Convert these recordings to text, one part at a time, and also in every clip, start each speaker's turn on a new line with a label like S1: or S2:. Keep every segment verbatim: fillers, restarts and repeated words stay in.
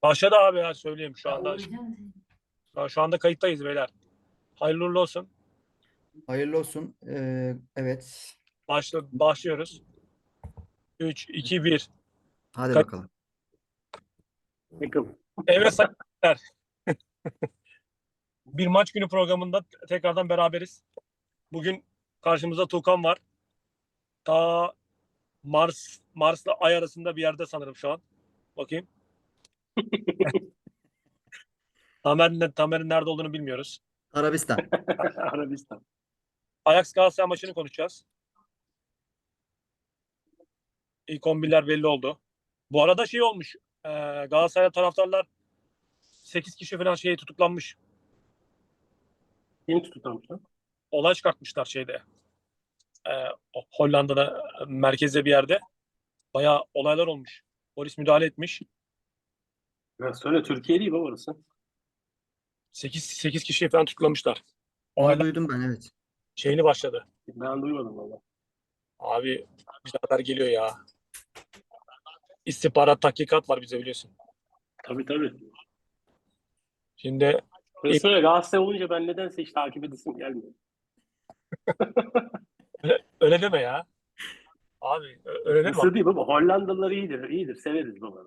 S1: Başladı abi ya söyleyeyim şu
S2: Ya
S1: anda.
S2: uğraşacağım.
S1: Şu anda kayıttayız beyler. Hayırlı uğurlu olsun.
S3: Hayırlı olsun. Ee, evet.
S1: Başla, başlıyoruz. üç, iki, bir.
S3: Hadi
S1: Kayıt.
S3: bakalım.
S2: Yakın.
S1: Evet sayın bir maç günü programında tekrardan beraberiz. Bugün karşımızda Tuğkan var. Ta Mars Mars'la Ay arasında bir yerde sanırım şu an. Bakayım. Tamer'in Tamer'in nerede olduğunu bilmiyoruz.
S3: Arabistan.
S2: Arabistan.
S1: Ajax Galatasaray maçını konuşacağız. İlk on birler belli oldu. Bu arada şey olmuş. E, Galatasaray taraftarlar sekiz kişi falan şey tutuklanmış.
S2: Kim tutuklanmış lan?
S1: Olay çıkartmışlar şeyde. E, Hollanda'da merkezde bir yerde. Bayağı olaylar olmuş. Polis müdahale etmiş.
S2: Ya söyle Türkiye değil mi orası?
S1: sekiz sekiz kişiyi falan tutuklamışlar.
S3: Onu
S1: Olaylar
S3: duydum ben, evet.
S1: şeyini başladı.
S2: Ben duymadım valla.
S1: Abi bize haber geliyor ya. İstihbarat tahkikat var bize biliyorsun.
S2: Tabii tabii.
S1: Şimdi
S2: Ben söyle Galatasaray olunca ben nedense hiç takip edesim gelmiyor.
S1: öyle, öyle deme ya. Abi ö- öyle deme.
S2: Nasıl değil baba? Hollandalılar iyidir. İyidir. Severiz baba.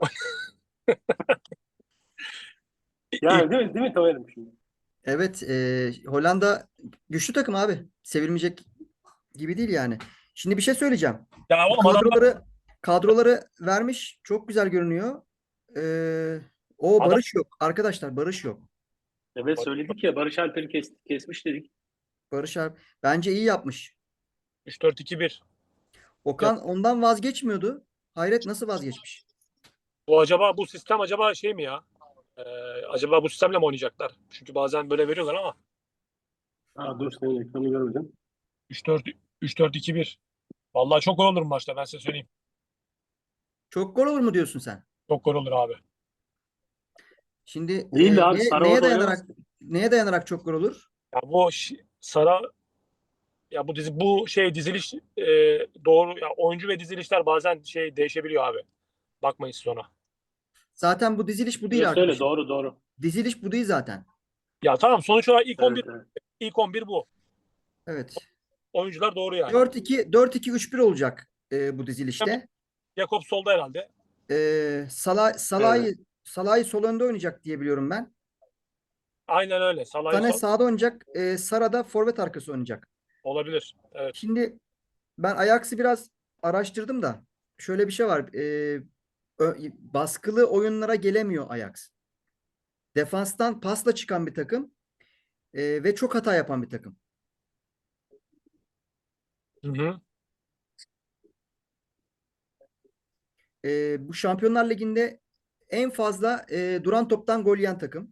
S1: İlk,
S2: Yani değil mi? Değil mi Tamer'im şimdi?
S3: Evet. e, Hollanda güçlü takım abi. Sevilmeyecek gibi değil yani. Şimdi bir şey söyleyeceğim.
S1: ya
S3: Bu
S1: oğlum adamlar,
S3: kadroları kadroları vermiş. Çok güzel görünüyor. Ee, o
S1: adam
S3: Barış yok. Arkadaşlar, Barış yok.
S2: Evet söyledik ya Barış Alper'i kes, kesmiş dedik.
S3: Barış abi bence iyi yapmış.
S1: üç dört iki bir. Ya,
S3: Okan ondan vazgeçmiyordu. Hayret, nasıl vazgeçmiş?
S1: bu acaba bu sistem acaba şey mi ya? Ee, acaba bu sistemle mi oynayacaklar? Çünkü bazen böyle veriyorlar ama
S2: Aa, dur senin ekranı görmedim.
S1: üç dört üç dört iki bir. Vallahi çok gol olur bu maçta ben size söyleyeyim.
S3: Çok gol olur mu diyorsun sen?
S1: Çok gol olur abi.
S3: Şimdi
S2: Değil
S3: e,
S2: de abi
S3: neye, neye
S2: Sarava'da oynamaz
S3: dayanarak
S2: ki.
S3: neye dayanarak çok gol olur?
S1: Ya bu ş- Sara ya bu dizi bu şey diziliş e, doğru ya oyuncu ve dizilişler bazen şey değişebiliyor abi. Bakmayın siz ona.
S3: Zaten bu diziliş bu
S2: Söyle
S3: değil
S2: söyle
S3: arkadaşım.
S2: doğru doğru.
S3: Diziliş bu değil zaten.
S1: Ya tamam sonuç olarak ilk on bir
S2: Evet evet.
S1: ilk on bir bu.
S3: Evet.
S1: Oyuncular doğru yani.
S3: dört iki dört iki üç bir olacak e, bu dizilişte.
S1: Jakob solda herhalde.
S3: E, Salah
S2: Evet.
S3: Salah'ı Salah'ı sol önde oynayacak diye biliyorum ben.
S1: Aynen öyle. Salah'ı
S3: Sané
S1: sol
S3: sağda oynayacak. E, Sara da forvet arkası oynayacak.
S1: olabilir. Evet.
S3: Şimdi ben Ajax'ı biraz araştırdım da şöyle bir şey var. E, ö- baskılı oyunlara gelemiyor Ajax. Defanstan pasla çıkan bir takım e, ve çok hata yapan bir takım.
S1: Hı hı.
S3: E, bu Şampiyonlar Ligi'nde en fazla e, duran toptan gol yiyen takım.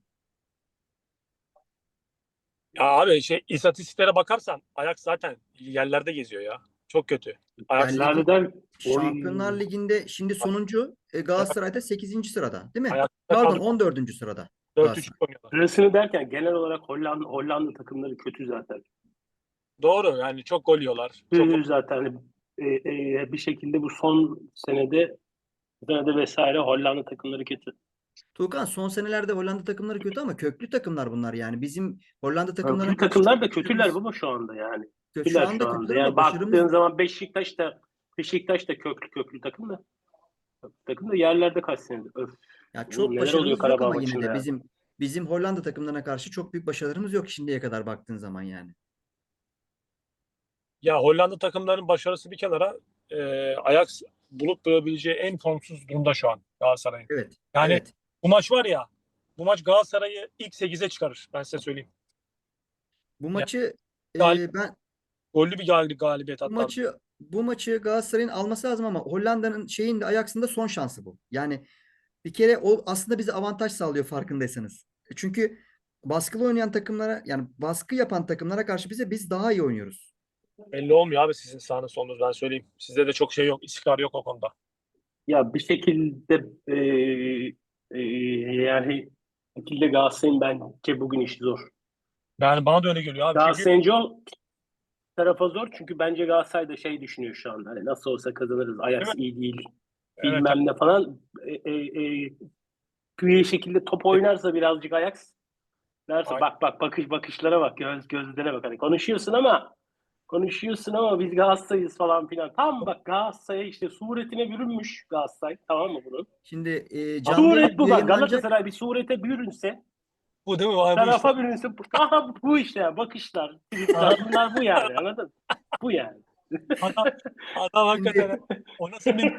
S1: Ya abi şey istatistiklere bakarsan Ajax zaten yerlerde geziyor ya. Çok kötü. Ajax
S3: Yani ligi,
S2: Lale'den oy.
S3: Şampiyonlar Ligi'nde şimdi sonuncu e, Galatasaray'da sekizinci sırada, değil mi?
S1: Ajax'ta
S3: Pardon,
S1: kadro
S3: on dördüncü sırada
S1: dört üç
S3: Galatasaray.
S1: oynuyorlar.
S2: Sırasını derken genel olarak Hollanda, Hollanda takımları kötü zaten.
S1: Doğru yani çok gol yiyorlar. Çok gol.
S2: Kötü zaten hani, e, e, bir şekilde bu son senede senede vesaire Hollanda takımları kötü.
S3: Tuğkan, son senelerde Hollanda takımları kötü ama köklü takımlar bunlar yani. Bizim Hollanda takımlarına
S2: Köklü
S3: karşı
S2: takımlar
S3: çok
S2: da kötüler
S3: başarımız.
S2: baba şu anda yani.
S3: Şu
S2: Kötüler şu
S3: anda
S2: anda.
S3: kötüler
S2: Yani
S3: ama başarımız
S2: baktığın zaman Beşiktaş da Beşiktaş da köklü köklü takım da. Takım da yerlerde kaç senedir. Öf.
S3: ya
S2: Oğlum
S3: çok
S2: neler oluyor
S3: başarımız yok
S2: Karabağ
S3: ama yine
S2: maçında
S3: de
S2: ya.
S3: bizim bizim Hollanda takımlarına karşı çok büyük başarılarımız yok şimdiye kadar baktığın zaman yani.
S1: Ya Hollanda takımlarının başarısı bir kenara e, Ajax bulup bulabileceği en formsuz durumda şu an Galatasaray'ın.
S3: Evet.
S1: Yani
S3: Evet.
S1: bu maç var ya bu maç Galatasaray'ı ilk sekize çıkarır. Ben size söyleyeyim.
S3: Bu
S1: Yani
S3: maçı
S1: galip,
S3: e, ben
S1: gollü bir galib galibiyet
S3: Bu
S1: hatta.
S3: maçı bu maçı Galatasaray'ın alması lazım ama Hollanda'nın şeyin de Ajax'ın da son şansı bu. Yani bir kere o aslında bize avantaj sağlıyor farkındaysanız. E, Çünkü baskılı oynayan takımlara, yani baskı yapan takımlara karşı bize biz daha iyi oynuyoruz.
S1: Belli olmuyor abi sizin sağınız solunuz ben söyleyeyim. Sizde de çok şey yok. İstikrar yok o konuda.
S2: Ya bir şekilde e, e, yani bir şekilde Galatasaray'ın bence bugün işi zor.
S1: Yani bana da öyle geliyor abi. Çünkü
S2: Galatasaray'ın o tarafa zor çünkü bence Galatasaray da şey düşünüyor şu anda. Hani nasıl olsa kazanırız.
S1: değil mi?
S2: Ajax iyi değil.
S1: Evet, evet.
S2: Bilmem ne falan. E, e, e, bir şekilde top oynarsa birazcık Ajax derse
S1: Aynen.
S2: bak bak bakış bakışlara bak göz gözlere bak hani konuşuyorsun ama konuşuyorsun ama biz Galatasaray'ız falan filan. Tam bak Galatasaray'a işte suretine bürünmüş Galatasaray tamam mı bunun?
S3: Şimdi e,
S1: Abi,
S3: canlı yayın
S2: Suret bu bak
S3: yayınlanacak.
S2: Galatasaray bir surete bürünse
S1: bu değil mi? Vay bu işte.
S2: tarafa bürünse bu, aha, bu işte bakışlar, tweetler bunlar bu yani anladın mı? Bu yani.
S1: Adam, adam hakikaten
S3: Şimdi
S1: o nasıl bir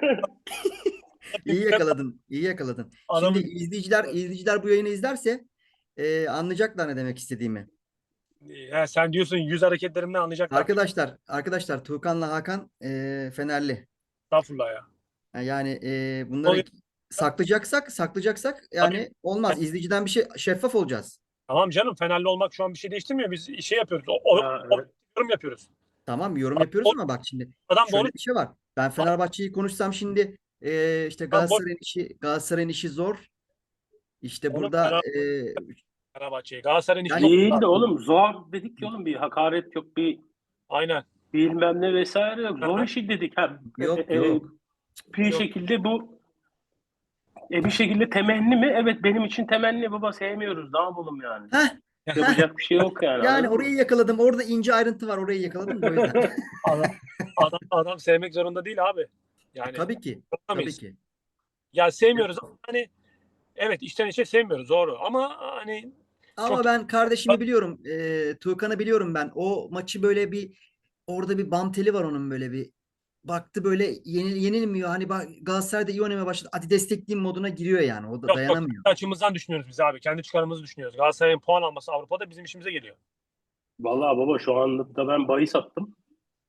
S3: iyi yakaladın, iyi yakaladın. Şimdi
S1: adamın
S3: izleyiciler izleyiciler bu yayını izlerse e, anlayacaklar ne demek istediğimi.
S1: ya sen diyorsun yüz hareketlerimden anlayacaklar.
S3: Arkadaşlar, arkadaşlar Tuğkan'la Hakan e, Fenerli.
S1: Estağfurullah ya.
S3: Yani e,
S1: Ne
S3: bunları
S1: oluyor?
S3: saklayacaksak, saklayacaksak
S1: Tabii.
S3: yani olmaz. İzleyiciden bir şey şeffaf olacağız.
S1: Tamam canım Fenerli olmak şu an bir şey değiştirmiyor. Biz şey yapıyoruz. O, o,
S2: Ya,
S1: o-
S2: evet.
S1: yorum yapıyoruz.
S3: Tamam yorum
S1: Adam
S3: yapıyoruz
S1: doğru,
S3: ama bak şimdi
S1: adam doğru,
S3: şöyle bir şey var. Ben Fenerbahçe'yi konuşsam şimdi e, işte
S1: adam boş.
S3: Galatasaray'ın işi Galatasaray'ın işi zor. İşte
S1: Oğlum
S3: burada
S1: Fener,
S3: e,
S1: Fenerbahçe'yi. Galatasaray'ın işi
S3: yani
S1: çok
S2: Değil de oğlum zor dedik ki oğlum bir hakaret yok bir
S1: aynen.
S2: bilmem ne vesaire yok. Zor işi dedik. Ha, e,
S3: yok
S2: e,
S3: yok.
S2: bir
S1: Yok.
S2: şekilde bu e, bir şekilde temenni mi? Evet benim için temenni baba sevmiyoruz. Ne yapalım yani?
S3: Heh, heh.
S2: Yapacak bir şey yok yani
S3: Yani
S2: anladın
S3: orayı
S2: mı?
S3: yakaladım. Orada ince ayrıntı var. Orayı yakaladım da o yüzden.
S1: Adam, adam, adam sevmek zorunda değil abi. Yani
S3: Tabii ki. Tabii
S1: yapamayız.
S3: ki.
S1: Ya sevmiyoruz ama hani evet içten içe sevmiyoruz doğru ama hani çok
S3: Ama ben kardeşimi biliyorum. E, Tuğkan'ı biliyorum ben. O maçı böyle bir orada bir bam teli var onun böyle bir. Baktı böyle yenil, yenilmiyor. Hani bak Galatasaray'da iyi oynamaya başladı. Hadi destekleyeyim moduna giriyor yani. O da
S1: yok yok
S3: dayanamıyor.
S1: açımızdan düşünüyoruz biz abi. Kendi çıkarımızı düşünüyoruz. Galatasaray'ın puan alması Avrupa'da bizim işimize geliyor.
S2: Vallahi baba şu anda ben bahis attım.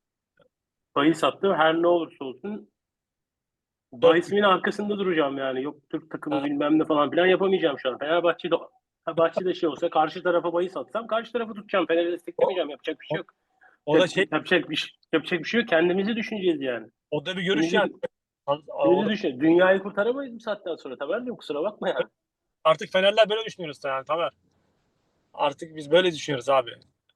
S2: Bahis attım. Her ne olursa olsun
S1: Dört
S2: bahisimin arkasında duracağım yani. Yok Türk takımı
S1: Ha,
S2: bilmem ne falan filan yapamayacağım şu an. Fenerbahçe'de Fenerbahçe'de şey olsa karşı tarafa bahis atsam karşı tarafı tutacağım. Fener'i
S1: o,
S2: desteklemeyeceğim. Yapacak bir şey
S1: o,
S2: yok.
S1: o da
S2: Yapacak,
S1: şey
S2: yapacak bir şey, yapacak bir şey yok. Kendimizi düşüneceğiz yani.
S1: o da bir görüş yani.
S2: Kendimizi,
S1: O
S2: kendimizi
S1: da,
S2: düşün. Dünyayı kurtaramayız bu saatten sonra. Tamam mı? Kusura bakma yani.
S1: artık Fenerler böyle düşünüyoruz yani Tamer. Artık biz böyle düşünüyoruz abi.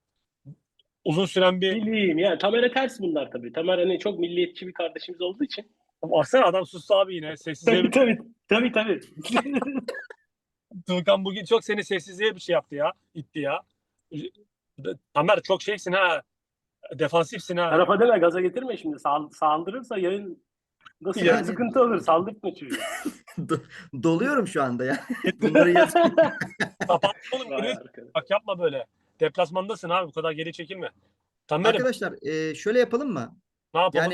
S1: Uzun süren bir
S2: Bileyim yani. Tamer'e ters bunlar tabii. Tamer hani çok milliyetçi bir kardeşimiz olduğu için.
S1: baksana adam sustu abi yine. Sessizliğe
S2: Tabii
S1: bir...
S2: tabii. Tabii tabii.
S1: Tuğkan bugün çok seni sessizliğe bir şey yaptı ya. İtti ya. Tamer çok şeysin ha. Defansifsin ha.
S2: Tarafa deme gaza getirme şimdi. Sal- saldırırsa yayın da sıkı-
S1: Ya,
S3: Yani
S2: sıkıntı olur. Saldırtma çocuğu.
S3: do- doluyorum şu anda ya. Bunları yazayım.
S1: kapat oğlum.
S2: Vay
S1: Geri-
S2: arkadaş.
S1: Bak yapma böyle. Deplasmandasın abi. Bu kadar geri çekilme. Tamer'im
S3: Arkadaşlar e, şöyle yapalım mı?
S1: ne yapalım?
S3: Yani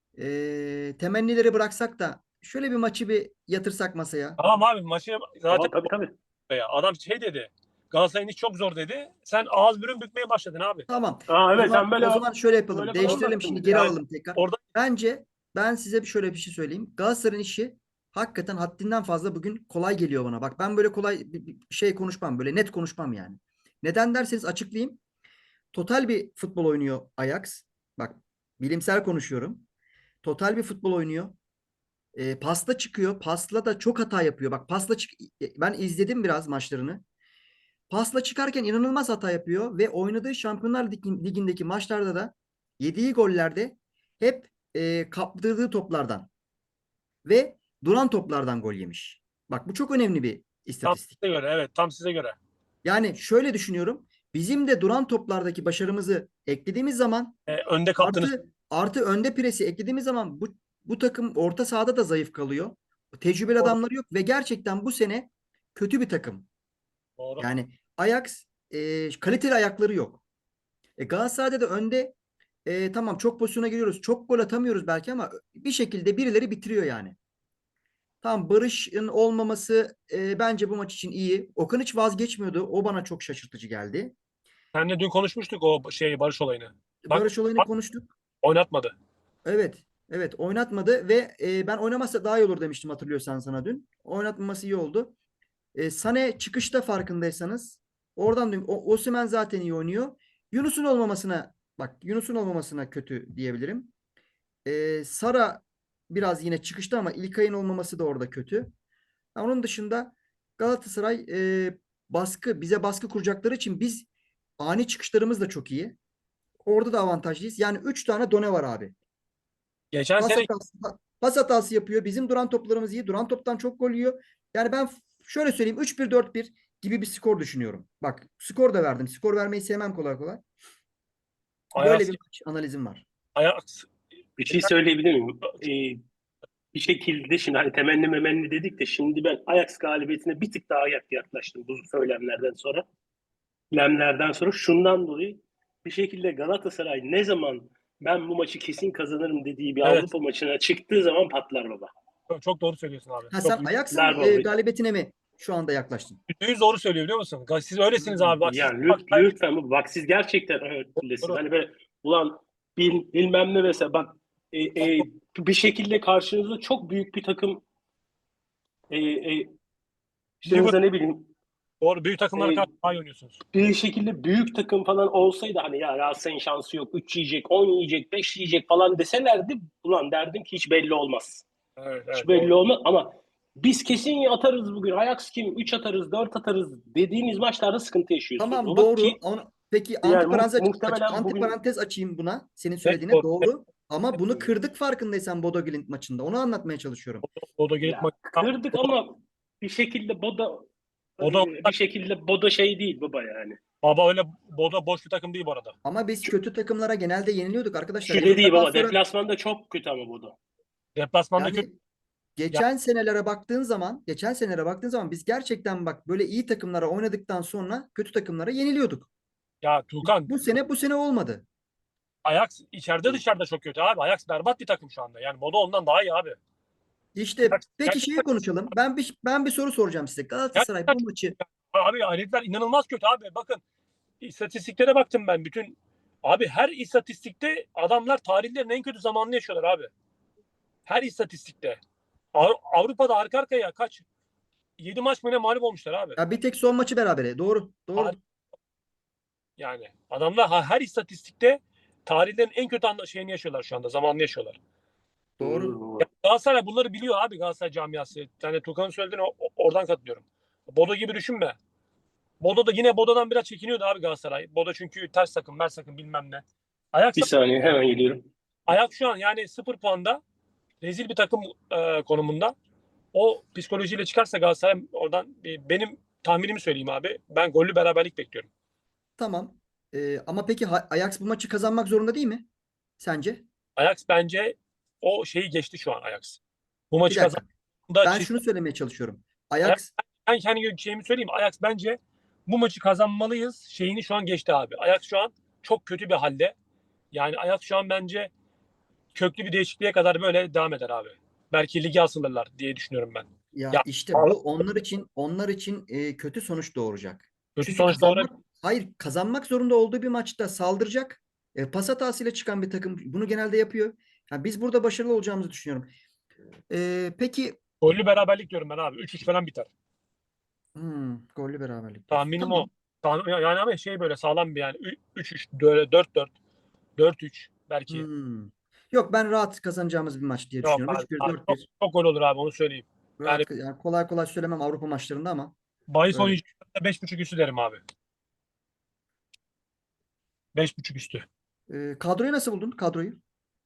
S3: e, temennileri bıraksak da şöyle bir maçı bir yatırsak masaya.
S1: Tamam abi maçı zaten
S2: Aa, tabii tabii.
S1: ya. Adam şey dedi. Galatasaray'ın iş çok zor dedi. Sen ağız bürün bükmeye başladın abi.
S3: Tamam.
S2: Aa,
S3: O
S2: evet
S3: zaman
S2: sen böyle
S3: o zaman şöyle yapalım.
S2: böyle falan
S3: Değiştirelim
S2: anlattın
S3: şimdi
S2: bize.
S3: geri
S1: Yani
S3: alalım tekrar.
S1: orada
S3: Bence ben size bir şöyle bir şey söyleyeyim. Galatasaray'ın işi hakikaten haddinden fazla bugün kolay geliyor bana. Bak ben böyle kolay bir bir şey konuşmam. Böyle net konuşmam yani. Neden derseniz açıklayayım. Total bir futbol oynuyor Ajax. Bak bilimsel konuşuyorum. Total bir futbol oynuyor. E, pasla çıkıyor. Pasla da çok hata yapıyor. Bak pasla çık ben izledim biraz maçlarını. Pasla çıkarken inanılmaz hata yapıyor ve oynadığı Şampiyonlar Ligi- Ligi'ndeki maçlarda da yediği gollerde hep e, kaptırdığı toplardan ve duran toplardan gol yemiş. Bak bu çok önemli bir
S1: tam
S3: istatistik.
S1: size göre evet tam size göre.
S3: Yani şöyle düşünüyorum. Bizim de duran toplardaki başarımızı eklediğimiz zaman
S1: Ee, önde kaptınız.
S3: artı artı önde presi eklediğimiz zaman bu bu takım orta sahada da zayıf kalıyor. Tecrübeli
S1: Doğru.
S3: adamları yok ve gerçekten bu sene kötü bir takım.
S1: Doğru.
S3: Yani Ajax e, kaliteli ayakları yok. E, Galatasaray'da da önde e, tamam çok pozisyona giriyoruz. Çok gol atamıyoruz belki ama bir şekilde birileri bitiriyor yani. Tamam Barış'ın olmaması e, bence bu maç için iyi. Okan hiç vazgeçmiyordu. O bana çok şaşırtıcı geldi.
S1: Seninle dün konuşmuştuk o şeyi Barış olayını. Bak
S3: Barış olayını konuştuk.
S1: oynatmadı.
S3: Evet. Evet oynatmadı ve e, ben oynamazsa daha iyi olur demiştim hatırlıyorsan sana dün. Oynatmaması iyi oldu. E, Sane çıkışta farkındaysanız oradan dün o, Osimhen zaten iyi oynuyor. Yunus'un olmamasına bak Yunus'un olmamasına kötü diyebilirim. E, Sara biraz yine çıkışta ama İlkay'ın olmaması da orada kötü. Ha, onun dışında Galatasaray e, baskı bize baskı kuracakları için biz ani çıkışlarımız da çok iyi. Orada da avantajlıyız. Yani üç tane done var abi.
S1: Geçen
S3: Pas
S1: sene
S3: hatası, pas hatası yapıyor. Bizim duran toplarımız iyi. Duran toptan çok gol yiyor. Yani ben şöyle söyleyeyim, üç bir dört bir gibi bir skor düşünüyorum. Bak, skor da verdim. Skor vermeyi sevmem kolay kolay. Böyle
S1: Ajax,
S3: bir maç analizim var.
S1: Ajax
S2: Bir şey söyleyebilir miyim? Ee, bir şekilde şimdi hani temenni memenni dedik de şimdi ben Ajax galibiyetine bir tık daha yak- yaklaştım bu söylemlerden sonra. Lemlerden sonra şundan dolayı bir şekilde Galatasaray ne zaman ben bu maçı kesin kazanırım dediği bir
S1: evet,
S2: Avrupa maçına çıktığı zaman patlar baba.
S1: çok, çok doğru söylüyorsun abi.
S3: Ha,
S1: Çok
S3: sen Ajax'ın
S2: Patlar
S3: e,
S2: baba.
S3: galibiyetine mi şu anda yaklaştın?
S1: yüzde yüz doğru söylüyor biliyor musun? Siz öylesiniz abi. Bak siz
S2: Yani
S1: bak,
S2: lüt- lütfen bu- bak siz gerçekten öylesiniz.
S1: doğru.
S2: Hani böyle ulan bil, bilmem ne mesela bak e, e, bir şekilde karşınızda çok büyük bir takım e, e, işte
S1: Liverpool,
S2: mesela ne bileyim
S1: doğru. Büyük takımlara
S2: e,
S1: karşı daha iyi oynuyorsunuz.
S2: bir şekilde büyük takım falan olsaydı hani ya Galatasaray'ın şansı yok. üç yiyecek, on yiyecek, beş yiyecek falan deselerdi ulan derdim ki hiç belli olmaz.
S1: Evet,
S2: Hiç
S1: evet,
S2: belli
S1: doğru.
S2: olmaz ama biz kesin atarız bugün. Ajax kim? üç atarız, dört atarız dediğiniz maçlarda sıkıntı yaşıyorsunuz.
S3: Tamam,
S2: Baba ki
S3: doğru. Onu, peki
S2: yani mu-
S3: antiparantez, aç, aç-
S2: muhtemelen bugün
S3: antiparantez açayım buna. Senin
S1: Net
S3: söylediğine
S1: doğru. Net,
S3: doğru. Ama bunu
S1: doğru.
S3: kırdık farkındaysan Bodo Glimt maçında. Onu anlatmaya çalışıyorum.
S1: Bodo gelip
S2: ya
S1: maç.
S2: kırdık
S1: Bodo,
S2: ama bir şekilde Boda e,
S1: Bodo,
S2: bir şekilde Boda şey değil baba yani.
S1: baba öyle Bodo boş bir takım değil bu arada.
S3: Ama biz kötü takımlara genelde yeniliyorduk arkadaşlar.
S2: Şu dediği
S3: Yıllardan
S2: baba
S3: sonra
S2: deplasmanda çok kötü ama Boda.
S1: Deplasmanda kötü.
S3: yani
S1: Ya,
S3: geçen senelere baktığın zaman, geçen senelere baktığın zaman biz gerçekten bak böyle iyi takımlara oynadıktan sonra kötü takımlara yeniliyorduk.
S1: ya Tuğkan,
S3: Bu sene bu sene olmadı.
S1: Ajax içeride dışarıda çok kötü abi. Ajax berbat bir takım şu anda. Yani Bodo ondan daha iyi abi.
S3: İşte
S1: Ajax
S3: peki şeyi
S1: gerçekten,
S3: konuşalım. Ben bir ben bir soru soracağım size. Galatasaray
S1: gerçekten
S3: bu
S1: çok-
S3: maçı
S1: abi herifler inanılmaz kötü abi. Bakın istatistiklere baktım ben bütün. Abi her istatistikte adamlar tarihlerin en kötü zamanını yaşıyorlar abi. Her istatistikte. Av- Avrupa'da arka arkaya kaç? Yedi maç mı ne mağlup olmuşlar abi.
S3: ya bir tek son maçı berabere. Doğru. Doğru.
S1: Tarih- Yani adamlar ha- her istatistikte tarihlerin en kötü anda- şeyini yaşıyorlar şu anda. Zamanını yaşıyorlar.
S3: Doğru.
S1: Ya Galatasaray bunları biliyor abi, Galatasaray camiası. Yani Tukan'ın söylediğine o- oradan katılıyorum. Bodo gibi düşünme. Bodo da yine Bodo'dan biraz çekiniyordu abi Galatasaray. Bodo çünkü ters takım, mers takım bilmem ne. Ajax,
S2: Bir saniye hemen geliyorum.
S1: Ajax şu an yani sıfır puanda rezil bir takım e, konumunda. O psikolojiyle çıkarsa Galatasaray oradan e, benim tahminimi söyleyeyim abi. Ben gollü beraberlik bekliyorum.
S3: Tamam. Ee, ama peki Ha- Ajax bu maçı kazanmak zorunda değil mi? Sence?
S1: Ajax bence o şeyi geçti şu an Ajax. Bu
S3: Bir
S1: maçı
S3: dakika.
S1: kazandığında
S3: Ben
S1: çiz-
S3: şunu söylemeye çalışıyorum.
S1: Ajax,
S3: Ajax
S1: ben kendi şeyimi söyleyeyim. Ajax bence bu maçı kazanmalıyız. Şeyini şu an geçti abi. Ajax şu an çok kötü bir halde. Yani Ajax şu an bence köklü bir değişikliğe kadar böyle devam eder abi. Belki ligi asılırlar diye düşünüyorum ben.
S3: ya
S1: Ya
S3: işte bu onlar için onlar için e, kötü sonuç doğuracak.
S1: kötü
S3: Çünkü
S1: sonuç doğru.
S3: kazanmak hayır kazanmak zorunda olduğu bir maçta saldıracak. E, pas hatasıyla çıkan bir takım bunu genelde yapıyor. Ya biz burada başarılı olacağımızı düşünüyorum. E, peki
S1: Gollü beraberlik diyorum ben abi. üç üç falan biter.
S3: hmm, gollü beraberlik diyorsun.
S1: Tahminim o.
S3: Tamam.
S1: Tahmin- Yani ama şey böyle sağlam bir yani üç üç, dört dört, dört üç belki.
S3: Hmm. Yok, ben rahat kazanacağımız bir maç diye
S1: Yok
S3: düşünüyorum.
S1: abi,
S3: üç bir
S1: abi
S3: dört
S1: çok,
S3: bir
S1: çok gol olur abi onu söyleyeyim. Yani
S3: rahat, yani kolay kolay söylemem Avrupa maçlarında ama
S1: bahis
S3: öyle.
S1: oynayacaksa beş buçuk üstü derim abi. Beş buçuk üstü.
S3: E, kadroyu nasıl buldun? Kadroyu.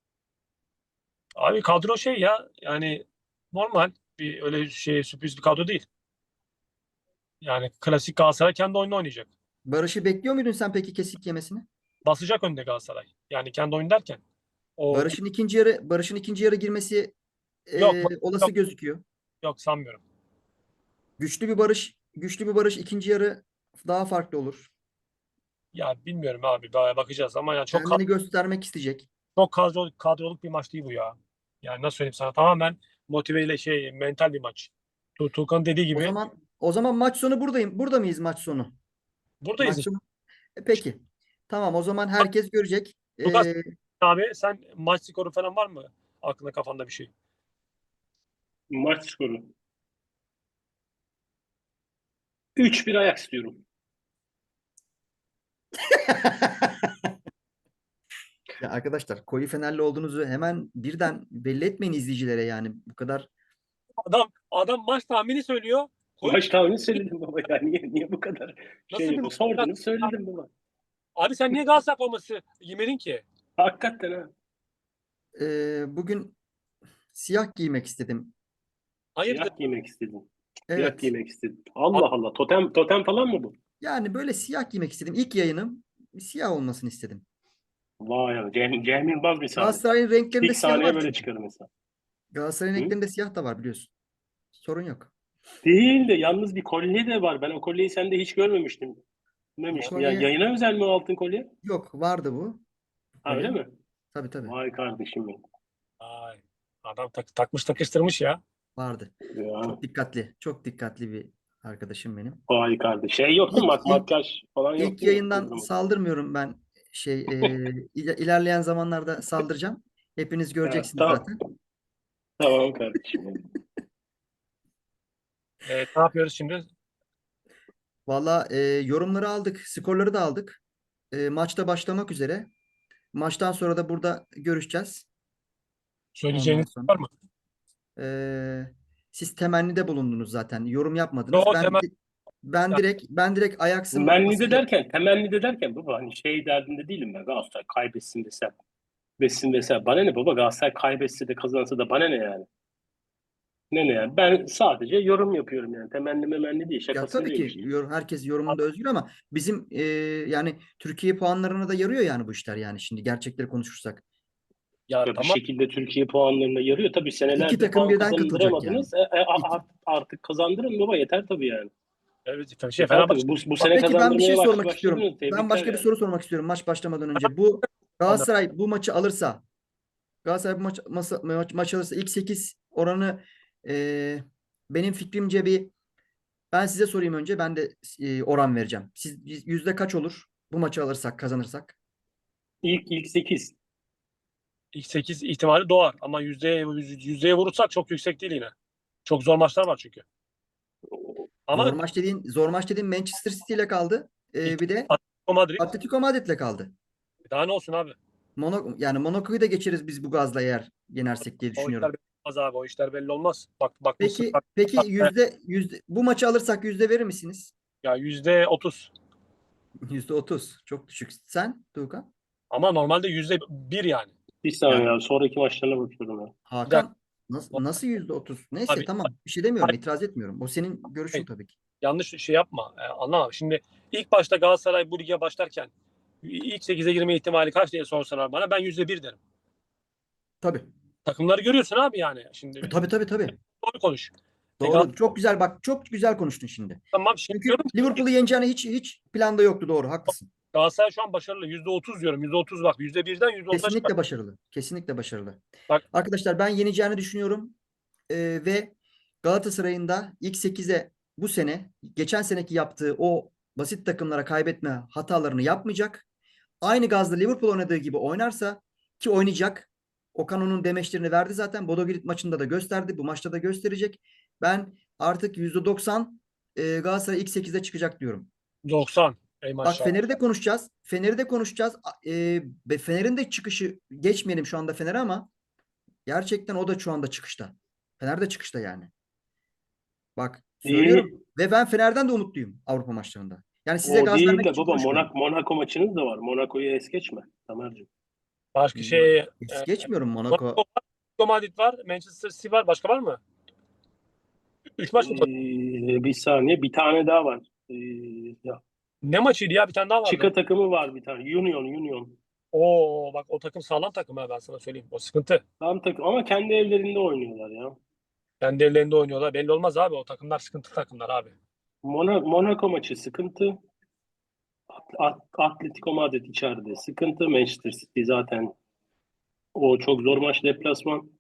S1: Abi kadro şey ya yani normal bir öyle şey sürpriz bir kadro değil. Yani klasik Galatasaray kendi oyunu oynayacak.
S3: Barış'ı bekliyor muydun sen peki kesik yemesini?
S1: Basacak önde Galatasaray. Yani kendi oyun derken. O
S3: Barış'ın ikinci yarı Barış'ın ikinci yarı girmesi
S1: yok
S3: e, olası
S1: yok
S3: gözüküyor.
S1: yok sanmıyorum.
S3: Güçlü bir Barış, güçlü bir Barış ikinci yarı daha farklı olur.
S1: Ya bilmiyorum abi ba- bakacağız ama yani çok
S3: Kendini
S1: kad-
S3: göstermek isteyecek.
S1: çok kadro, kadroluk bir maç değil bu ya. Yani nasıl söyleyeyim sana tamamen motiveyle şey mental bir maç. Tu Tuğkan'ın dediği
S3: O
S1: gibi
S3: zaman o zaman maç sonu buradayım. Burada mıyız maç sonu?
S1: buradayız
S3: Maç
S1: işte.
S3: sonu. E, peki. Tamam, o zaman herkes görecek.
S1: Tuğkan
S3: E,
S1: abi sen maç skoru falan var mı? Aklında kafanda bir şey.
S2: Maç skoru. üç bir Ajax diyorum.
S3: Ya arkadaşlar, koyu Fenerli olduğunuzu hemen birden belli etmeyin izleyicilere yani. Bu kadar
S1: Adam adam maç tahmini söylüyor. Koy
S2: Maç tahmini söyledim baba ya. Niye, niye bu kadar
S1: nasıl
S2: şey
S1: bir
S2: yapıyor? Sordunuz söyledim baba.
S1: abi sen niye Galatasaray forması giymedin ki?
S2: Hakikaten ha.
S3: e, bugün siyah giymek istedim.
S1: Hayırdır?
S2: Siyah giymek istedim. Siyah
S3: Evet.
S2: giymek istedim. Allah Allah. Totem totem falan mı bu?
S3: Yani böyle siyah giymek istedim. İlk yayınım siyah olmasını istedim.
S2: Vay ya. Cem, Cem Yılmaz misali.
S3: Galatasaray'ın renklerinde
S2: İlk
S3: siyah
S2: sahneye
S3: var
S2: böyle
S3: çünkü.
S2: çıkarım mesela.
S3: Galatasaray'ın
S2: Hı?
S3: renklerinde siyah da var biliyorsun. Sorun yok.
S2: Değil de yalnız bir kolye de var. Ben o kolyeyi sende hiç görmemiştim.
S3: Bu
S2: Demiştim. Ya
S3: kolye
S2: yayına özel mi o altın kolye?
S3: yok. Vardı bu. Bu
S2: Ha öyle
S3: kolye.
S2: mi?
S3: Tabii tabii.
S2: Vay kardeşim benim.
S1: Ay, adam tak- takmış takıştırmış ya.
S3: Vardı.
S2: Ya,
S3: Çok dikkatli. Çok dikkatli bir arkadaşım benim.
S2: vay kardeş. Şey yok mu?
S3: İlk
S2: Mak
S3: ilk
S2: makyaj falan yok
S3: ilk
S2: değil mi?
S3: yayından
S2: Uygulama.
S3: saldırmıyorum ben. Şey e, il- ilerleyen zamanlarda saldıracağım. Hepiniz
S2: Ha,
S3: göreceksiniz
S2: tamam.
S3: zaten.
S2: Tamam kardeşim benim.
S1: Evet, ne yapıyoruz şimdi?
S3: Valla e, yorumları aldık. Skorları da aldık. E, maçta başlamak üzere. Maçtan sonra da burada görüşeceğiz. Ondan
S1: Söyleyeceğiniz
S3: sonra.
S1: var mı?
S3: E, siz temennide bulundunuz zaten. Yorum yapmadınız.
S1: Yo,
S3: Ben
S1: temel.
S3: ben direkt ben direkt Ajax'ın
S2: Temenni de
S3: basite
S2: derken, temenni de derken baba hani şey derdinde değilim ben. Galatasaray kaybetsin desem. Besin desem. Bana ne baba Galatasaray kaybetse de kazansa da bana ne yani? Ne ne yani? Ben sadece yorum yapıyorum yani. Temenni memenni değil.
S3: ya
S2: Şakasını
S3: tabii
S2: değil
S3: ki
S2: işte.
S3: yor- herkes yorumunda özgür ama bizim e, yani Türkiye puanlarına da yarıyor yani bu işler yani şimdi gerçekleri konuşursak.
S1: Ya
S2: Ya bir
S1: tamam.
S2: şekilde Türkiye puanlarına yarıyor. Tabii
S3: İki
S2: senelerdir
S3: takım
S2: puan
S3: birden katılacak yani.
S2: kazandıramadınız. E, e, a-
S3: İki.
S2: art- artık kazandırın baba yeter tabii yani.
S1: Evet, şey
S2: Yeter
S1: Fenerbahçe
S2: tabii. Bu, bu sene
S3: Peki ben bir şey
S2: kazandırmaya baş,
S3: sormak istiyorum.
S2: başladınız.
S3: Ben
S2: Tebrikler
S3: başka bir
S2: yani.
S3: soru sormak istiyorum maç başlamadan önce. Bu
S1: puanı.
S3: Galatasaray bu maçı alırsa Galatasaray bu maç, masa- maç, maç alırsa ilk sekiz oranı e, benim fikrimce bir ben size sorayım önce ben de e, oran vereceğim. Siz yüzde kaç olur bu maçı alırsak kazanırsak?
S2: İlk ilk sekiz.
S1: İlk sekiz ihtimali doğar ama yüzdeye, yüz- yüzdeye vurursak çok yüksek değil yine. Çok zor maçlar var çünkü.
S3: Zor
S1: Ama
S3: maç dediğin zor maç dediğin Manchester City ile kaldı.
S1: ilk
S3: E, bir de
S1: Atletico Madrid
S3: Atletico Madrid'le kaldı.
S1: daha ne olsun abi?
S3: Monaco, yani Monaco'yu da geçeriz biz bu gazla eğer yenersek diye
S1: O işler
S3: düşünüyorum.
S1: belli olmaz abi. O işler belli olmaz. Bak bakmışsın
S3: Peki peki yüzde yüzde bu maçı alırsak yüzde verir misiniz?
S1: ya yüzde otuz.
S3: Yüzde otuz. Çok düşük. Sen Tuğkan?
S1: Ama normalde yüzde bir yani.
S2: Bir saniye
S3: Ya
S2: ya. Sonraki maçlarına bakıyorum ya.
S1: Bir dakika
S3: Hakan nasıl, nasıl yüzde otuz? Neyse
S1: abi.
S3: tamam. Bir şey demiyorum. itiraz etmiyorum. O senin görüşün tabii ki.
S1: Yanlış şey yapma. E, anlama. Şimdi ilk başta Galatasaray bu lige başlarken ilk sekize girme ihtimali kaç diye sorsalar bana ben yüzde bir derim.
S3: Tabii.
S1: Takımları görüyorsun abi yani. Şimdi
S3: E, tabii tabii tabii.
S1: doğru konuş. E, Galatasaray
S3: Doğru. Çok güzel bak. Çok güzel konuştun şimdi.
S1: tamam şey
S3: Çünkü
S1: diyorum ki
S3: Liverpool'u yeneceğini hiç hiç planda yoktu. Doğru. Haklısın.
S1: Galatasaray şu an başarılı. Yüzde otuz diyorum. Yüzde otuz bak. Yüzde birden yüzde otuza çıkar.
S3: Kesinlikle başarılı. Kesinlikle başarılı.
S1: Bak
S3: Arkadaşlar ben yeneceğini düşünüyorum. Ee, ve Galatasaray'ın da ilk sekize bu sene geçen seneki yaptığı o basit takımlara kaybetme hatalarını yapmayacak. Aynı gazda Liverpool oynadığı gibi oynarsa ki oynayacak. Okan onun demeçlerini verdi zaten. Bodo Glimt maçında da gösterdi. Bu maçta da gösterecek. Ben artık yüzde doksan e, Galatasaray ilk sekize çıkacak diyorum.
S1: doksan. Ey
S3: Bak
S1: maşallah.
S3: Fener'i de konuşacağız. Fener'i de konuşacağız. E, ve Fener'in de çıkışı geçmeyelim şu anda Fener'e ama gerçekten o da şu anda çıkışta. Fener de çıkışta yani. Bak söylüyorum.
S2: İyi.
S3: Ve ben Fener'den de umutluyum Avrupa maçlarında. Yani size
S2: O
S3: gaz
S2: değil
S3: vermek
S2: de
S3: için
S2: baba
S3: konuşmuyorum.
S2: Monaco, Monaco maçınız da var. Monaco'yu es geçme. Tamer'cim.
S1: Başka şey e,
S3: Es geçmiyorum
S1: Monaco
S3: Monaco.
S1: var, Atletico Madrid var. Manchester City var. Başka var mı? Üç maç mı?
S2: Ee, bir saniye. Bir tane daha var. Ee, ya.
S1: Ne maçıydı ya? Bir tane daha vardı.
S2: Chica takımı var bir tane. Union, Union.
S1: Oo bak o takım sağlam takım ha ben sana söyleyeyim. O sıkıntı.
S2: Tam takım ama kendi evlerinde oynuyorlar ya.
S1: Kendi evlerinde oynuyorlar. Belli olmaz abi. O takımlar sıkıntı takımlar abi.
S2: Mona, Monaco maçı sıkıntı. At- Atletico Madrid içeride sıkıntı. Manchester City zaten o çok zor maç deplasman.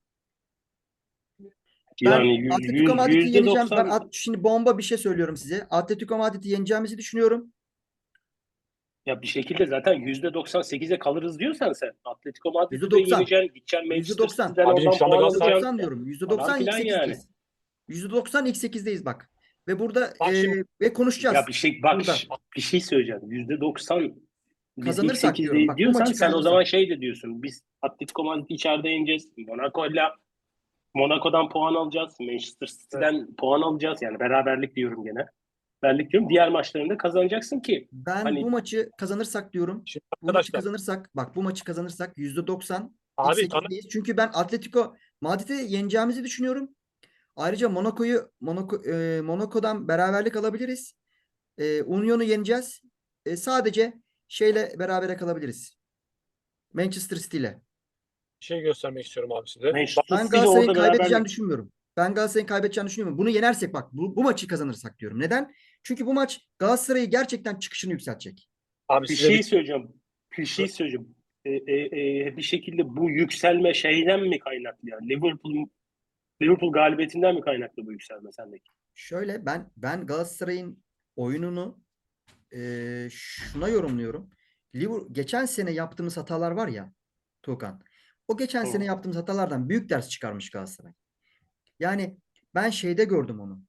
S3: Ben
S2: Yani yüz,
S3: Atletico
S2: yüz,
S3: Madrid'i
S2: yüzde
S3: yeneceğim. Ben
S2: doksan
S3: at, şimdi bomba bir şey söylüyorum size. Atletico Madrid'i yeneceğimizi düşünüyorum.
S2: ya bir şekilde zaten yüzde doksan sekize kalırız diyorsan sen Atletico Madrid'i de
S3: yüzde doksan.
S2: yeneceksin. Gideceksin
S3: yüzde
S2: Manchester
S3: doksan.
S2: City'den
S1: Abicim
S2: oradan
S1: şu anda
S2: puan
S3: yüzde
S1: Galatasaray
S2: alacaksın
S3: doksan diyorum. yüzde
S2: falan
S3: doksan ilk
S2: filan yani.
S3: sekizdeyiz. yüzde doksan ilk sekizdeyiz bak. Ve burada
S1: bak
S3: e,
S1: şimdi
S3: ve
S2: Ya
S3: konuşacağız.
S2: bir şey bak
S3: Burada.
S2: bir şey söyleyeceğim. yüzde doksan biz ilk
S3: Kazanırsak diyorum.
S2: sekizdeyiz
S3: Bak bu
S2: diyorsan
S3: maçı
S2: sen o zaman
S3: kazanırsak.
S2: şey de diyorsun. Biz Atletico Madrid'i içeride yeneceğiz. Monaco'yla Monaco'dan puan alacağız. Manchester
S1: evet,
S2: City'den puan alacağız. Yani beraberlik diyorum gene. Beraberlik diyorum. Diğer maçlarında kazanacaksın ki
S3: Ben bu
S2: hani
S3: maçı kazanırsak diyorum.
S1: şimdi
S3: Bu maçı
S1: arkadaşlar
S3: kazanırsak bak bu maçı kazanırsak yüzde doksan ilk
S1: abi Tamer,
S3: sekizdeyiz. Çünkü ben Atletico Madrid'i yeneceğimizi düşünüyorum. Ayrıca Monaco'yu Monaco, e, Monaco'dan beraberlik alabiliriz. E, Union'u yeneceğiz. E, sadece şeyle berabere kalabiliriz. Manchester City ile.
S1: Bir şey göstermek istiyorum abi size. Bak,
S2: Manchester
S3: Ben
S2: City ile
S3: Galatasaray'ın
S2: orada
S3: kaybedeceğini
S2: beraberlik.
S3: düşünmüyorum. Ben Galatasaray'ın kaybedeceğini düşünmüyorum. Bunu yenersek bak bu, bu maçı kazanırsak diyorum. Neden? Çünkü bu maç Galatasaray'ı gerçekten çıkışını yükseltecek.
S1: abi
S2: Bir
S1: size bir
S2: şey söyleyeceğim. Bir şey söyleyeceğim. E, e, e, bir şekilde bu yükselme şeyden mi kaynaklı yani? Liverpool Liverpool galibiyetinden mi kaynaklı bu yükselme sendeki?
S3: Şöyle ben ben Galatasaray'ın oyununu e, şuna yorumluyorum. Liverpool, geçen sene yaptığımız hatalar var ya Tuğkan. O geçen
S2: Hı.
S3: sene yaptığımız hatalardan büyük ders çıkarmış Galatasaray. Yani ben şeyde gördüm onu.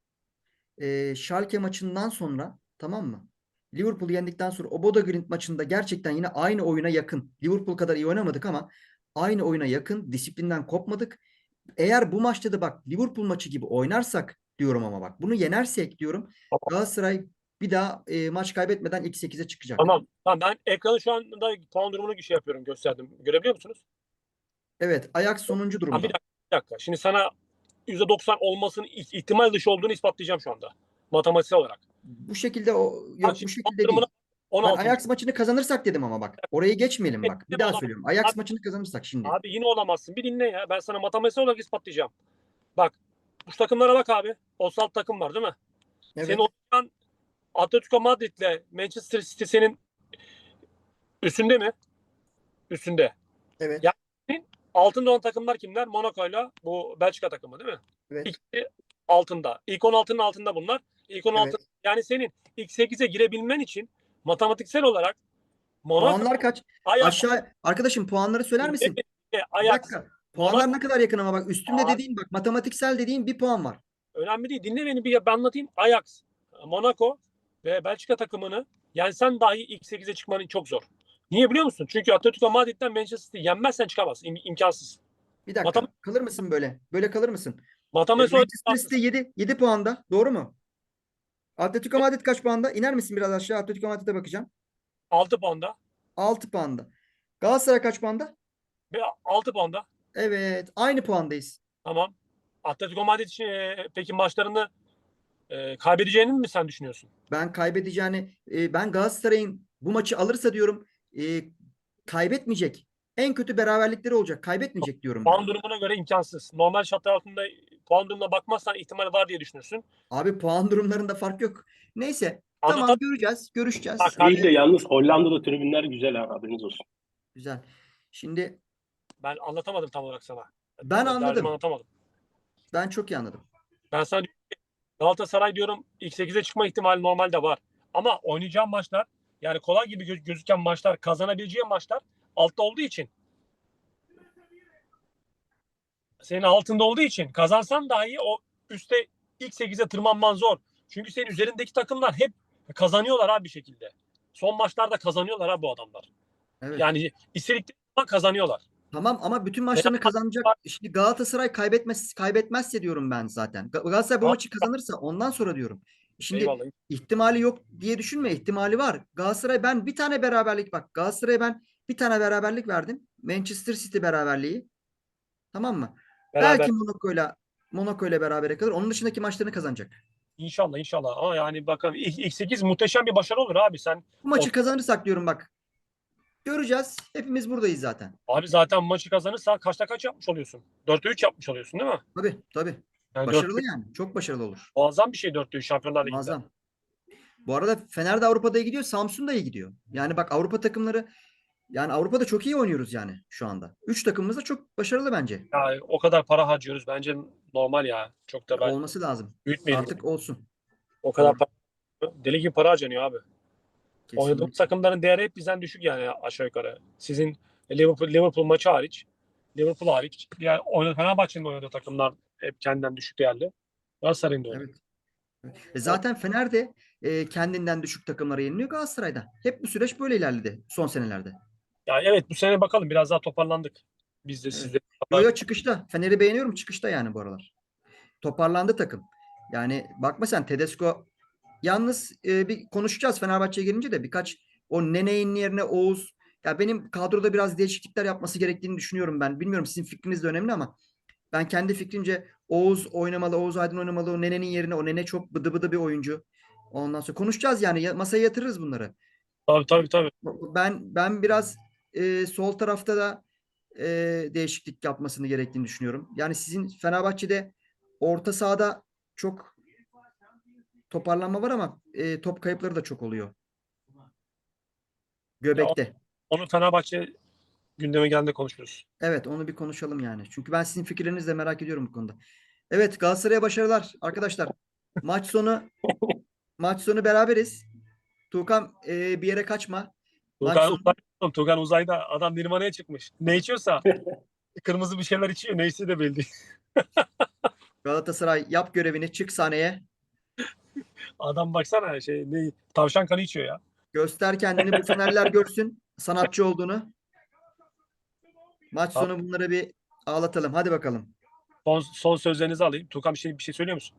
S3: E, Schalke maçından sonra, tamam mı? Liverpool'u yendikten sonra o Bodo Glimt maçında gerçekten yine aynı oyuna yakın. Liverpool kadar iyi oynamadık ama aynı oyuna yakın. Disiplinden kopmadık. Eğer bu maçta da bak Liverpool maçı gibi oynarsak diyorum, ama bak bunu yenersek diyorum, Galatasaray bir daha e, maç kaybetmeden ilk sekize çıkacak.
S1: Tamam. Tamam, ben ekranı şu anda puan durumunu şey yapıyorum, gösterdim. Görebiliyor musunuz?
S3: Evet, Ajax sonuncu
S1: Ha, bir
S3: durumda.
S1: dakika, bir dakika. Şimdi sana yüzde doksan olmasının ih- ihtimal dışı olduğunu ispatlayacağım şu anda. Matematiksel olarak.
S3: Bu şekilde o
S1: Bak
S3: yok, bu
S1: şimdi puan
S3: şekilde
S1: durumuna
S3: değil. Ben
S1: on altıncı.
S3: Ajax maçını kazanırsak dedim ama bak. Orayı geçmeyelim bak. Bir
S1: Yine
S3: daha
S1: olamaz.
S3: söylüyorum. Ajax
S1: Abi,
S3: maçını kazanırsak şimdi.
S1: abi yine olamazsın. Bir dinle ya. Ben sana matematiksel olarak ispatlayacağım. Bak. Bu takımlara bak abi. Osalt takım var değil mi? Senin
S3: Evet.
S1: oynayan Atletico Madrid'le Manchester City senin üstünde mi? Üstünde.
S3: Evet.
S1: Yani altında olan takımlar kimler? Monaco'yla bu Belçika takımı değil mi?
S3: Evet.
S1: İkisi altında. İlk on altının altında bunlar. İlk on altı,
S3: Evet.
S1: yani senin ilk sekize girebilmen için matematiksel olarak Monaco,
S3: Puanlar kaç?
S1: Ajax,
S3: Aşağı arkadaşım, puanları söyler misin? Bir
S1: Ajax,
S3: dakika.
S1: Monaco.
S3: Puanlar ne kadar yakın ama bak, üstümde
S1: Aa,
S3: dediğin, bak matematiksel dediğin bir puan var.
S1: önemli değil. Dinle beni bir ben anlatayım. Ajax, Monaco ve Belçika takımını yensen dahi ilk sekize çıkmanın çok zor. Niye biliyor musun? Çünkü Atletico Madrid'den Manchester City yenmezsen çıkamazsın. İm- imkansız.
S3: Bir
S1: Matematik,
S3: dakika. Kalır mısın böyle? Böyle kalır mısın? E,
S1: matematik olarak
S3: Manchester
S1: imkansız.
S3: City yedi, yedi puanda. Doğru mu? Atletico Madrid kaç puanda? İner misin biraz aşağı? Atletico Madrid'e bakacağım.
S1: altı puanda
S3: altı puanda. Galatasaray kaç puanda?
S1: ve altı puanda.
S3: Evet. Aynı puandayız.
S1: Tamam. Atletico Madrid için, e, peki maçlarını e, kaybedeceğini mi sen düşünüyorsun?
S3: Ben kaybedeceğini, e, ben Galatasaray'ın bu maçı alırsa diyorum, e, kaybetmeyecek. En kötü beraberlikleri olacak. Kaybetmeyecek diyorum ben.
S1: Puan durumuna göre imkansız. Normal şartlar altında puan durumuna bakmazsan ihtimali var diye düşünürsün.
S3: Abi puan durumlarında fark yok. Neyse. Tamam,
S1: Anlatan
S3: göreceğiz.
S1: bak
S3: Görüşeceğiz.
S2: İyi
S1: kardeşim,
S2: de yalnız Hollanda'da tribünler güzel ha, haberiniz olsun.
S3: Güzel. Şimdi
S1: ben anlatamadım tam olarak sana.
S3: ben
S1: Derdimi
S3: anladım.
S1: anlatamadım.
S3: Ben çok iyi anladım.
S1: Ben sana diyorum ki, Galatasaray diyorum ilk sekize çıkma ihtimali normalde var. Ama oynayacağım maçlar, yani kolay gibi gö- gözüken maçlar, kazanabileceğim maçlar altta olduğu için, senin altında olduğu için kazansan dahi o üstte ilk sekize tırmanman zor. Çünkü senin üzerindeki takımlar hep kazanıyorlar abi bir şekilde. Son maçlarda kazanıyorlar ha bu adamlar.
S3: Evet.
S1: Yani istedikleri zaman kazanıyorlar.
S3: Tamam ama bütün
S1: Fenerbahçe
S3: maçlarını kazanacak.
S1: var.
S3: Şimdi Galatasaray kaybetmez kaybetmezse diyorum ben zaten. Ga- Galatasaray bu
S1: Tamam,
S3: maçı kazanırsa ondan sonra diyorum. Şimdi
S1: eyvallah.
S3: ihtimali yok diye düşünme. İhtimali var. Galatasaray, ben bir tane beraberlik, bak Galatasaray'a ben bir tane beraberlik verdim. Manchester City beraberliği. Tamam mı?
S1: Beraber.
S3: Belki Monaco'yla Monaco'yla berabere kalır. Onun dışındaki maçlarını kazanacak.
S1: İnşallah inşallah. Ama yani bakalım ilk, ilk sekiz muhteşem bir başarı olur abi. Sen
S3: Bu
S1: o,
S3: maçı kazanırsak diyorum bak. Göreceğiz. Hepimiz buradayız zaten.
S1: abi zaten maçı kazanırsan kaçta kaç yapmış oluyorsun? dörtte üç yapmış oluyorsun değil mi?
S3: Tabii tabii.
S1: Yani dörtte
S3: Başarılı
S1: üç
S3: yani. Çok başarılı olur.
S1: muazzam bir şey, dörtte üç Şampiyonlar Ligi'nde.
S3: Muazzam. Bu arada Fener de Avrupa'da iyi gidiyor. Samsun da iyi gidiyor. Yani bak Avrupa takımları, yani Avrupa'da çok iyi oynuyoruz yani şu anda. Üç takımımız da çok başarılı bence.
S1: Yani o kadar para harcıyoruz. Bence normal ya. Çok da ben
S3: Olması lazım.
S1: büyütmeyelim.
S3: Artık olsun.
S1: O kadar
S3: Doğru.
S1: para, deli gibi para harcanıyor abi. Oynadığımız
S3: Kesinlikle.
S1: takımların değeri hep bizden düşük yani aşağı yukarı. Sizin Liverpool, Liverpool maçı hariç, Liverpool hariç, diğer oynadı, Fenerbahçe'nin oynadığı takımlar hep kendinden düşük değerli. Galatasaray'ın da öyle.
S3: Evet. E zaten Fener de e, kendinden düşük takımlara yeniliyor Galatasaray'da. Hep bu süreç böyle ilerledi son senelerde.
S1: Yani evet, bu sene bakalım biraz daha toparlandık. Biz de siz
S3: Evet.
S1: de.
S3: Yo yo, çıkışta. Fener'i beğeniyorum, çıkışta yani bu aralar. Toparlandı takım. Yani bakma sen, Tedesco, yalnız e, bir konuşacağız Fenerbahçe'ye gelince de, birkaç o Nene'nin yerine Oğuz, ya benim kadroda biraz değişiklikler yapması gerektiğini düşünüyorum ben. Bilmiyorum, sizin fikriniz de önemli ama ben kendi fikrimce Oğuz oynamalı, Oğuz Aydın oynamalı. O Nene'nin yerine o Nene çok bıdı bıdı bir oyuncu. Ondan sonra konuşacağız yani. Ya- Masaya yatırırız bunları.
S1: Tabii tabii tabii.
S3: Ben ben biraz e, sol tarafta da e, değişiklik yapmasını gerektiğini düşünüyorum. Yani sizin Fenerbahçe'de orta sahada çok toparlanma var ama e, top kayıpları da çok oluyor.
S1: Ya o-
S3: Göbekte.
S1: onu Fenerbahçe gündeme geldiğinde konuşuruz.
S3: Evet, onu bir konuşalım yani. Çünkü ben sizin fikirlerinizi de merak ediyorum bu konuda. Evet, Galatasaray'a başarılar arkadaşlar. Maç sonu maç sonu beraberiz. Tuğkan e, bir yere kaçma. Maç
S1: Tugan,
S3: sonu
S1: uzay, Tugan uzayda adam Nirvana'ya çıkmış. Ne içiyorsa kırmızı bir şeyler içiyor. Neyse de belli.
S3: Galatasaray yap görevini, çık sahneye.
S1: Adam baksana şey ne tavşan kanı içiyor ya.
S3: Göster kendini, bu Fenerler görsün sanatçı olduğunu. Maç sonu bunları bir ağlatalım. Hadi bakalım.
S1: Son, son sözlerinizi alayım. Tukan bir şey bir şey söylüyor musun?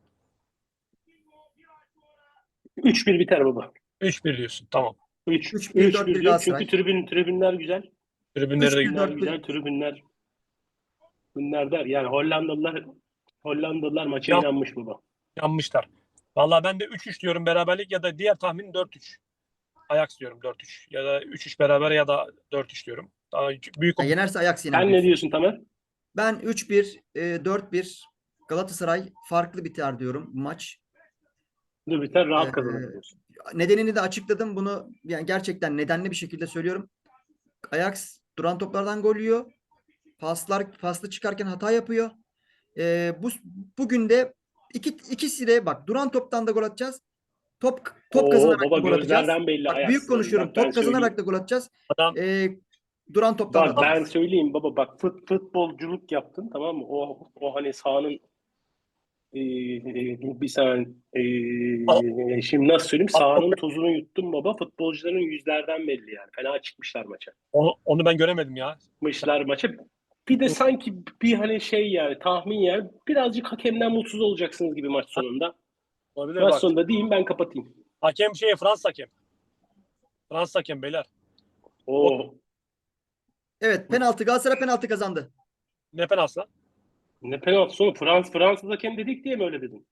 S2: üç bir biter baba.
S1: üç bir diyorsun. Tamam.
S2: üç
S3: üç bir dört bir
S2: 3-1 diyorum
S3: Galatasaray.
S2: çünkü tribün tribünler güzel.
S1: Tribünleri de
S3: üç bir
S2: Tribünler
S3: dört bir.
S2: güzel, tribünler bunlar der. Yani Hollandalılar Hollandalılar maça
S1: Yan-
S2: inanmış baba.
S1: yanmışlar. Vallahi ben de üç üç diyorum beraberlik ya da diğer tahmin dört üç. Ajax diyorum dört üç. Ya da üç üç beraber ya da dört üç diyorum. Daha büyük
S3: Ya yenerse Ajax yener
S2: Sen ne
S3: diyorsun.
S2: diyorsun Tamer?
S3: Ben üç bir, e, dört bir Galatasaray farklı biter diyorum bu maç.
S2: Dur biter rahat
S3: Ee,
S2: kazanır diyorsun.
S3: Nedenini de açıkladım. Bunu yani gerçekten nedenli bir şekilde söylüyorum. Ajax duran toplardan gol yiyor. Paslar paslı çıkarken hata yapıyor. Ee, bu bugün de iki ikisi de bak duran toptan da gol atacağız. Top top
S2: Oo
S3: kazanarak
S2: baba
S3: da gol atacağız.
S2: gözlerden belli
S3: Bak büyük
S2: Ajax'ların.
S3: konuşuyorum.
S2: Bak ben
S3: Top kazanarak
S2: söyleyeyim.
S3: da gol atacağız.
S1: adam
S3: Ee, duran toptan da
S2: Bak ben
S3: atacağız.
S2: söyleyeyim baba bak fut, futbolculuk yaptın tamam mı? O o hani sahanın e, bir saniye e, şimdi nasıl söyleyeyim sahanın tozunu yuttun baba futbolcuların yüzlerden belli yani. Fena çıkmışlar maça.
S1: onu, onu ben göremedim ya.
S2: Çıkmışlar maça. Bir de sanki bir hani şey yani tahmin yani birazcık hakemden mutsuz olacaksınız gibi maç sonunda.
S1: Olabilir
S2: Maç
S1: bak.
S2: sonunda diyeyim ben kapatayım.
S1: Hakem şey Fransız hakem. Fransız hakem beyler.
S2: O
S3: Evet, penaltı Galatasaray penaltı kazandı.
S1: Ne penaltı lan?
S2: ne penaltı sonu Frans Fransız hakem dedik diye mi öyle dedin?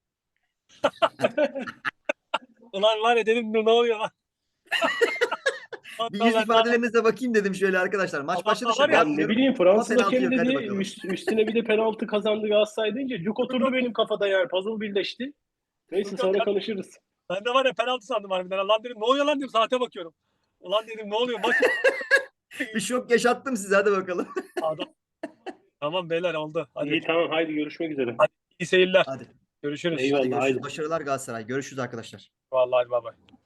S1: Ulan var ya dedim ne oluyor lan?
S3: Bir
S1: Hatta
S3: yüz
S1: ben-
S3: ifadelerinize bakayım dedim şöyle arkadaşlar. Maç
S1: Ama
S3: başladı
S1: var
S3: şaka
S1: ya,
S2: Ben ne
S3: yapmıyorum.
S2: bileyim
S3: Ama
S2: Fransız
S3: penaltı
S2: hakem
S3: yok, hadi
S2: dedi
S3: bakalım.
S2: üst- üstüne bir de penaltı kazandı Galatasaray deyince cuk oturdu benim kafada yani puzzle birleşti. Neyse
S1: Yok,
S2: sonra
S1: yok.
S2: konuşuruz.
S1: Ben de var ya penaltı sandım harbiden. Lan dedim ne oluyor lan dedim saate bakıyorum. Ulan dedim ne oluyor maç
S3: Bir şok yaşattım size, hadi bakalım.
S1: adam. Tamam beyler oldu. Hadi
S2: İyi tamam haydi görüşmek üzere.
S1: iyi seyirler.
S3: Hadi.
S1: Görüşürüz.
S2: Eyvallah.
S3: Hadi görüşürüz.
S2: haydi.
S3: Başarılar Galatasaray. Görüşürüz arkadaşlar.
S1: Vallahi bay bay.